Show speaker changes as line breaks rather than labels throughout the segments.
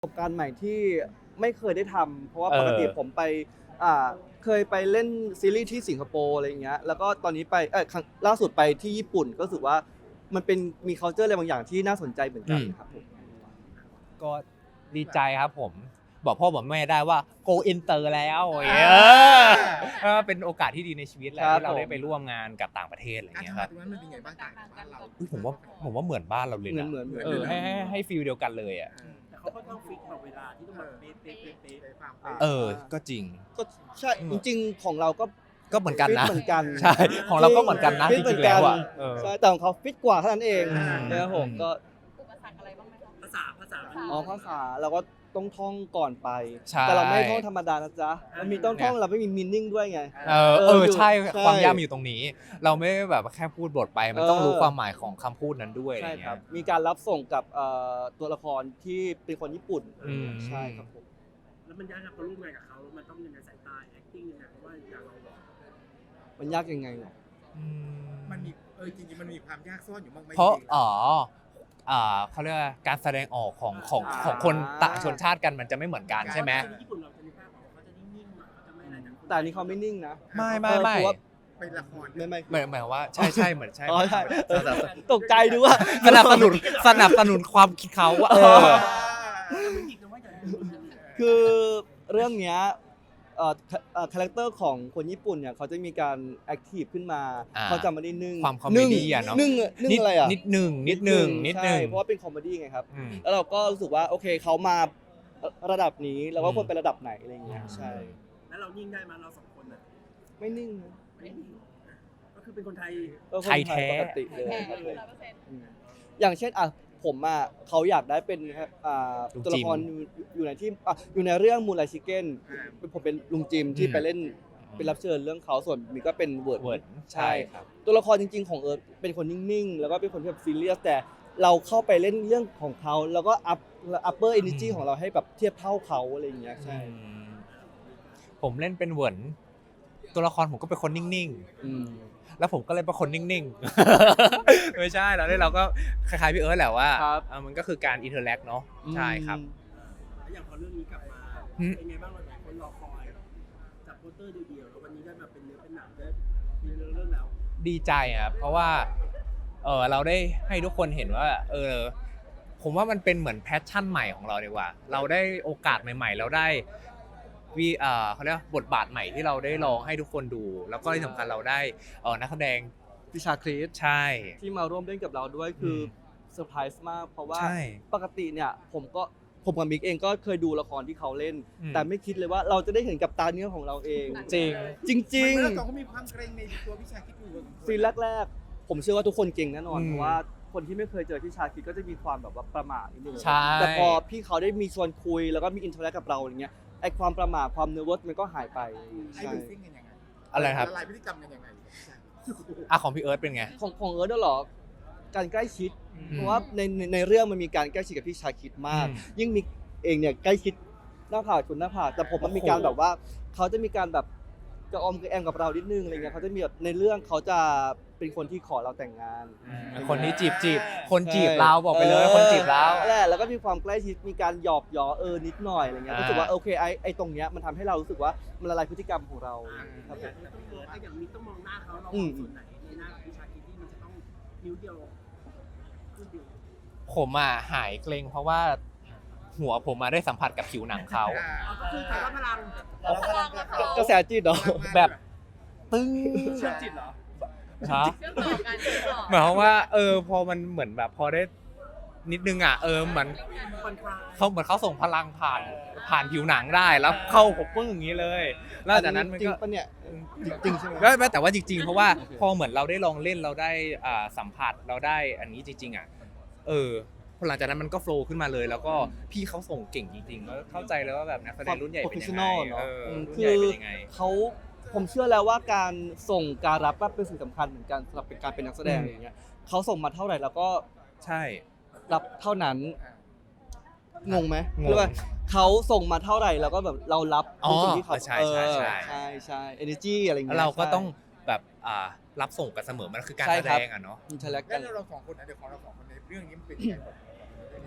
ประสบการณ์ใหม่ที่ไม่เคยได้ทำเพราะว่า
เออ
ปกติผมไปเคยไปเล่นซีรีส์ที่สิงคโปร์อะไรอย่างเงี้ยแล้วก็ตอนนี้ไปครั้งล่าสุดไปที่ญี่ปุ่นก็รู้สึกว่ามันเป็นมี culture อะไรบางอย่างที่น่าสนใจเหมือนกันครับผม
ก็ดีใจครับผม บอกพ่อบอกแม่ได้ว่า go inter แล้วอย่างเงี้ยก็เป็นโอกาสที่ดีในชีวิตแหละ
ครับ
ที่เราได้
ผม
ไปร่วมงานกับต่างประเทศอะไร
การ
เงี้ย
ทำ
ค
งา
รั
น
บ
ตรงนั้นมันเป็นไงบ้างต่างจากบ้านเรา
อุ๊ยผมว่าเหมือนบ้านเราเลยนะ
เหมือน
ให้ฟีลเดียวกันเลยอ่ะ
แต่เขาก็ต้องฟิกแบบเวลาที่ต้องแบบเป๊ะ
ก็จริง
ก็ใช่จริงๆของเราก็
ก็เหมือนกันนะ
ฟิตเหมือนกัน
ใช่ของเราก็เหมือนกันนะ
ฟิ
จ
ตเหมื
ริ
อง น
ๆ
กั
แล้
น
วอ่ะเออ
ใช่แต่ของเขาฟิตกว่าเท่านั้นเอง
อืม
นะครับผมก็
อุปสรรคอะไรบ้างไหมคะ
ภาษา
ภาษาเราก็ต้องท่องก่อนไป
ใช่
แต่เราไม่ท่องธรรมดานะจ๊ะมันมีต้องท่องเราไม่มีมีนิ่งด้วยไง
ใช่
ใช่
ความยากมันอยู่ตรงนี้ เราไม่ได้แบบแค่พูดบทไป มันต้องรู้ความหมายของคำพูดนั้นด้วยอะไร
ใช่ค
เงี้
รับ
ย
มีการรับส่งกับตัวละครที่เป็นคนญี่ปุ่น
อืม
ใช่ครับผม
แล้วมันยากครับพอร่วมงานกับเขามันต้องยังไงสายตา acting ยังไงเพราะว่าอย่างเรา
มันยากยังไงเหรอ
มันมีจริงๆมันมีความยากซ่อนอยู่บ้างไหม
เพราะเขาเรียกว่าการแสดงออกของคนต่างชนชาติกันมันจะไม่เหมือนกันใช่ไหม
ญี่ปุ่นเราจะมีภาพบอกว่าเขาจะนิ่งๆหน่อยเขาจะไม่อะไรนะ
แต่อันนี้เขาไม่นิ่งนะ
ไม่
เพราะว่า
เป็นละคร
ไม่
หมายว่าใช่เหมือนใช่
อ๋อใช่ตกใจดูว่า
สนับสนุนความคิดเขาว่า
มันจิกนะว่าอย่างนี้
คือเรื่องเนี้ยคาแรคเตอร์ของคนญี่ปุ่นเนี่ยเขาจะมีการแอคทีฟขึ้นมา
อ่า
เขาจะไม่ได้นึ่ง
ความคอมเมดี้อะเนาะ
นึ่งอะไรอ่ะ
นิดหนึ่ง
ใช่เพราะว่าเป็นคอมเมดี้ไงครับ
อืม
แล้วเราก็รู้สึกว่าโอเคเขามาระดับนี้เราก็ควรไประดับไหนอะไรอย่างเงี้ยใช่
แล้วเรานิ่งได้มาเราสองคนน่ะ
ไม่นิ่งนะ
ไม่นิ่งก็คือเป็นคนไทย
ก็คน
ไทยแท้
ปกติเลยครับผม
100%
อืมอย่างเช่นผมเขาอยากได้เป็น
ลุง
ตัวละ
จิม
ครอยู่ในที่อยู่ในเรื่องมูนไลชิเก้นผมเป็นลุงจิมที่ไปเล่นเป็นรับเชิญเรื่องเขาส่วนมีก็เป็นเวิร์ด
เวิร์ด
ใช่
ครับ
ตัวละครจริงๆของเอิร์ธเป็นคนนิ่งๆ แล้วก็เป็นคนที่แบบซีเรียสแต่เราเข้าไปเล่นเรื่องของเขาแล้วก็อัปเปอร์เอเนจีของเราให้แบบเทียบเท่าเขาอะไรอย่างเงี้ยใช่
ผมเล่นเป็นเหวินตัวละครผมก็เป็นคนนิ่ง
อืม
ๆ แล้วผมก็เลยเป็นคนนิ่งๆ ไม่ใช่เราก็คล้ายๆพี่เอิร์ธแหละว่า
ครับ
มันก็คือการอินเทอร์แลกเนาะใช่ครับ
แล้วอย่างพอเรื่องนี้กลับมาเป็นไงบ้างหลายคนรอคอยจากโปสเตอร์เดียวๆแล้ววันนี้ได้แบบเป็นเนื้อเป็นหนังได้มีเรื่องแล้ว
ดีใจครับเพราะว่าเราได้ให้ทุกคนเห็นว่าผมว่ามันเป็นเหมือนแพชชั่นใหม่ของเราดีกว่า เราได้โอกาสใหม่ๆ เราได้เขาเรียกว่าบทบาทใหม่ที่เราได้ลองให้ทุกคนดู แล้วก็ที่สำคัญเราได้นักแสดง
พิชาคริส
ใช่
ที่มาร่วมเล่นกับเราด้วยคือเซอร์ไพรส์มากเพราะว่า
ใช่
ปกติเนี่ยผมกับมิกเองก็เคยดูละครที่เขาเล่น
อืม
แต่ไม่คิดเลยว่าเราจะได้เห็นกับตาเนื้อของเราเอง
จริง
จริง
เมื่อก่อนเขามีความเกรงในตัวพี่ชายคิดอยู่
ๆซีนแรกๆ ผมเชื่อว่าทุกคนเก่งแน่นอน
อืม
เพราะว่าคนที่ไม่เคยเจอพี่ชาคิดก็จะมีความแบบว่าประหม่านิดนึง
ใช่
แต่พอพี่เขาได้มีชวนคุยแล้วก็มีอินเทอร์แอคกับเราอย่างเงี้ยไอความประหม่าความเนอร์วสมันก็หายไป
ไอ้
ใช่
ดูซิ่งกันยังไง
อะไรครับ
ละลายพฤติกรรมกันยังไง
ของพี่เอิร์ธเป็นไง
ของเอิร์ธด้วยเหรอการใกล้ชิด เพราะว่าในเรื่องมันมีการใกล้ชิดกับพี่ชาคิดมาก ยิ่งมิกเองเนี่ยใกล้ชิดหน้าผากชนหน้าผากแต่ผมมันมีการแบบว่าเขาจะมีการแบบกระออมกระแอมกับเรานิดนึงอะไรเงี้ยเขาจะมีแบบในเรื่องเขาจะเป็นคนที่ขอเราแต่งงาน
คนที่จีบคนจีบเราบอกไปเลยคนจีบเรา
แหละแล้วก็มีความใกล้ชิดมีการหยอกล้อนิดหน่อยอะไรเงี้ย
อ่า
รู้สึกว่าโอเคไอตรงเนี้ยมันทำให้เรารู้สึกว่ามันละลายพฤติกรรมของเราครับผ
อย่าง
ม
นี้ต้องมองอย่างนี้ต้องมองหน้าเขาเรา
อื
มอง
ม
ส่วนไหนในหน้าของวิชาคิดที่มันจะต้องนิ้วเดียวขึ้นเดียว
ผมหายเกรงเพราะว่าหัวผมได้สัมผัสกับผิวหนังเขา
เอาก็คือใครว่าพลัง
พลังละค่ะ
กระแสจิตเหรอ
แบบตึ้ง
เชื่อมจิตเหรอ
ฮะ
เชื่อมต่อกันเชื่อมต่อ
หมายความว่าพอมันเหมือนแบบพอได้นิดนึงเหมือน
คอนคลาย
เขาส่งพลังผ่านผิวหนังได้แล้วเข้าผมปึ้งอย่างนี้เลยแล้วจากนั้นมัน
จริง
ก็
ปะเนี่ยจริงใช่ไหม
ไม่แต่ว่าจริงๆ เพราะว่าพอเหมือนเราได้ลองเล่นเราได้สัมผัสเราได้อันนี้จริงพอหลังจากนั้นมันก็โฟล์ขึ้นมาเลย แล้วก็พี่เขาส่งเก่งจริงๆก็เข้าใจเลยว่าแบบนักแสดงรุ่นใหญ่เป็นยังไง
professional เนอะ
รุ่น
คื
ใหญ่
อ
เป็นยังไง
ผมเชื่อแล้วว่าการส่งการรับก็เป็นสิ่งสำคัญเหมือนกันสำหรับการเป็นนักแสดง
อืม
อย่างเงี้ยเขาส่งมาเท่าไหร่เราก็
ใช่
รับเท่านั้นงงไหม
งง
เรียกว่าเขาส่งมาเท่าไหร่เราก็แบบเรารับ
อ๋อ
ในสิ่งที่เขา
ใช่
ใช่ energy อะไรอย่าง
แล้ว
เงี้ย
เราก็ต้องแบบรับส่งกันเสมอมันคือการ
ใช่
แส
ครั
ด
บ
งอะเนาะ
อินเทอร์แลก
แล้
กั
วน เราสองคนนะเดี๋ยวของเราสองคนในเรื่องนี้มันเป็นยังไงบ้าง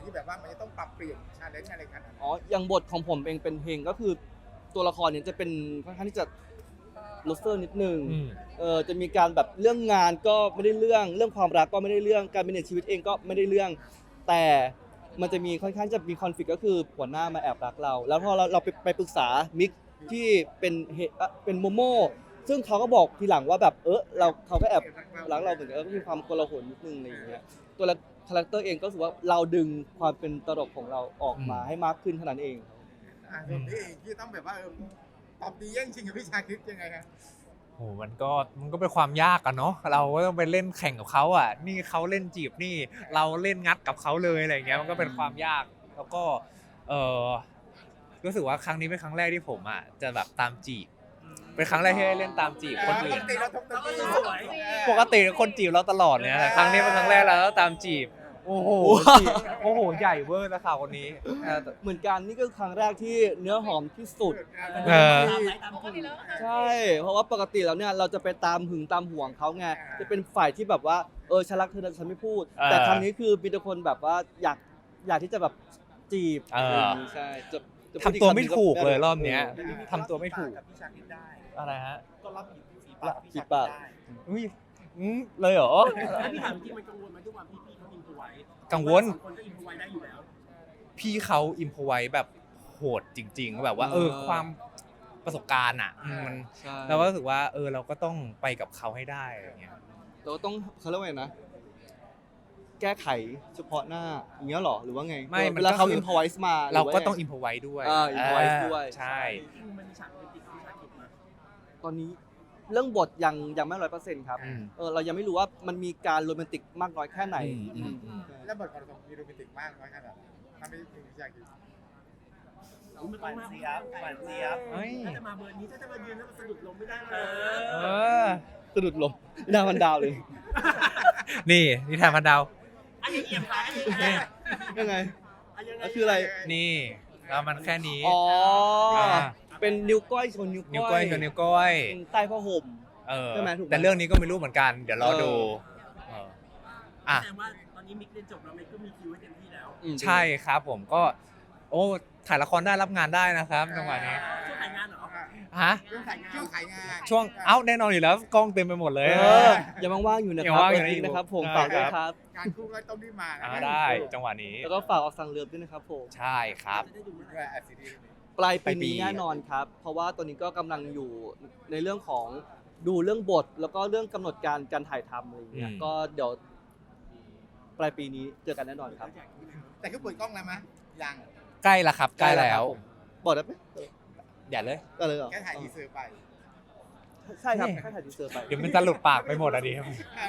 ที่แบบว่ามันจะต้องปรับเปลี่ยนชาเลนจ์อะไรกัน
อ๋ออย่างบทของผมเองเป็นเพลงก็คือตัวละครเนี่ยจะเป็นค่อนข้างที่จะโลเซอร์นิดนึง
อืม
จะมีการแบบเรื่องงานก็ไม่ได้เรื่องความรักก็ไม่ได้เรื่องการเป็นชีวิตเองก็ไม่ได้เรื่อง แต่มันจะมีค่อนข้างจะมีคอนฟ lict ก็คือหัวหน้ามาแอบรักเรา แล้วพอเราไปปรึกษามิกที่เป็นโมโม่ซึ่งเขาก็บอกทีหลังว่าแบบเขาก็แอบรักเราเหมือนกันก็มีความโกลาหลนิดนึงอะไรอย่างเงี้ยตัวละคาแรคเตอร์เองก็รู้สึกว่าเราดึงความเป็นตลกของเราออกมาให้มากขึ้นเท่านั้นเอง
ส่วนพี่เองที่ต้องแบบว่าตอบดีแย่งชิงกับพี่ชาคริสยังไงครับ
โหมันก็เป็นความยากอะเนาะเราก็ต้องไปเล่นแข่งกับเขาอ่ะนี่เขาเล่นจีบนี่เราเล่นงัดกับเขาเลยอะไรอย่างเงี้ยมันก็เป็นความยากแล้วก็เออรู้สึกว่าครั้งนี้เป็นครั้งแรกที่ผมอ่ะจะแบบตามจีบเป็นครั้งแรกที่ได้เล่นตามจีบคนอื่น
ปกติเราทำตัวดี
สวย
ปกติคนจีบเราตลอดเนี่ยแต่ครั้งนี้เป็นครั้งแรกแล้วตามจีบโอ้โหจีบโอ้โหใหญ่เวอร์นะข่าวคนนี้
เหมือนกันนี่ก็ครั้งแรกที่เนื้อหอมที่สุด
เออ
ตามไหนตาม
ปก
คุณ
ติแล้ว
ใช่ เพราะว่าปกติแล้วเนี่ยเราจะไปตามหึงตามห่วงเขาไงจะเป็นฝ่ายที่แบบว่าฉันรักเธอแต่ฉันไม่พูด แต่ครั้งนี้คือมีแต่คนแบบว่าอยากที่จะแบบจีบอะไรอย่างงี้ใช่จะพูดอี
ทำตัวไม่ถูกเลยรอบ
คำ
เนี้ย
เออ
ทำตัวไม่ถูก
กับพี่ชาคิดได้
อะไรฮะ
ก็รับฝีปาก
ฝีปาก
อุ้ยเลยเหรอ
แล้วพี่ถามจริงมันกังวลไหมทุกวันพี่เขาอินพไว้
กังวล
คนก็อินพไว้ได้อยู่แล้ว
พี่เขาอิมพอไว้แบบโหดจริง ๆ แบบว่าความประสบการณ์อ่ะมัน
ใช่
เราก็รู้สึกว่าเราก็ต้องไปกับเขาให้ได้อะไรเงี้ย
เราต้องเขาเรียกว่าไงนะ แก้ไขเฉพาะหน้าอย่างเงี้ยหรอหรือว่าไง
ไม่
เวลาเขา
มันก็คือ
อินพอไวส์มา
เราก็
ห
ต้อง
ว่าไ
อิมพอไว้ด้วย
improvise ด้วย
ใช่
จริงๆมันมีฉากโรแมนติกที่ชาคิดมา
ตอนนี้เรื่องบทยังไม่100%ครับ
อืม
เรายังไม่รู้ว่ามันมีการโรแมนติกมากน้อยแค่ไหน
อืม
แล้วบทของเรามีโรแมนติกมากน้อยขนาดไหนถ้าไม่ถึงพี่ชาคริส
มันต้องมาก
เสียบ
เฮ้ย
ถ้าจะมาเบอร์นี้ถ้าจะมายืนแล้วมันสะดุดลงไม่ได้เล
เอย อ
สะดุดลมดาวมันดาวเลย
นี่นิทานพันดาว
อันนี้เอี่ยมขายอันนี้ไง
ยังไง
อันยังไง
ก็คืออะไร
นี่เรามันแค่นี้
อ๋อ
อ่า
เป็นนิ้วก้อยชนนิ้ว
นิ้ว
ก้
ก้
อ
อย ยชนนิ้วก้อย
ใต้ผ้าห่ม ใช่ไหมถูกไหม
แต่เรื่องนี้ก็ไม่รู้เหมือนกัน เดี๋ยวรอดูเอออ่ะ
แสดงว่าตอนนี้มิกเรียนจบแล้วมิกก็มีคิวให้เต็มที่แล้ว
ใช่ครับผมก็ ถ่ายละครได้รับงานได้นะครับจังหวะนี้
ช่วงถ่ายงานเหรอ
ฮะ
ช่วงขายงาน
ช่วงแน่นอนอยู่แล้วกล้องเต็มไปหมดเลย
ยังว่างๆอยู่นะค
ยั
รั
ง
บ
ว่างอยู่
เปิดลิงก์นะครับผม
ได้
ฝากด้วย
ครับ
ครับ
งานคู่ก็ต้องรีบมานะ
ได้จังหวะนี้
แล้วก็ฝากออกสั่งเรือด้วยนะครับผม
ใช่ครับ
จะได้ดูเมื่อไห
ด้
ร่
วยซีรีส์
ปลาย
ปลา
ปี
ยปี
นี้แน่นอนครับ เพราะว่าตอนนี้ก็กำลังอยู่ในเรื่องของดูเรื่องบท แล้วก็เรื่องกำหนดการถ่ายทำอะไรอย่างเงี้ยก็เดี๋ยวปลายปีนี้เจอกันแน่นอนครับ
แต่คือเปิดกล้องแล้วมั้ยยัง
ใกล้ละครับใกล้แล้ว
ผมบอกได้ไหม
อย่าเลย
ก็เลยเหรอ
แค่ถ่ายทีเซอร์ไป
ใช่ครับแค่ถ่ายทีเซอร์ไป
เดี๋ยวมันจะหลุดปากไปหมดอ่ะดิ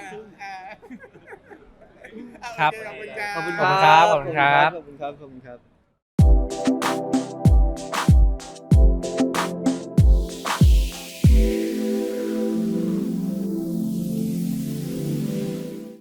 ครับ
ครับ
ขอบคุณ
ขอบคุณ
ค
ค
รั
รับ
ขอบคุณครับ
ขอบคุณครับขอบคุณครับ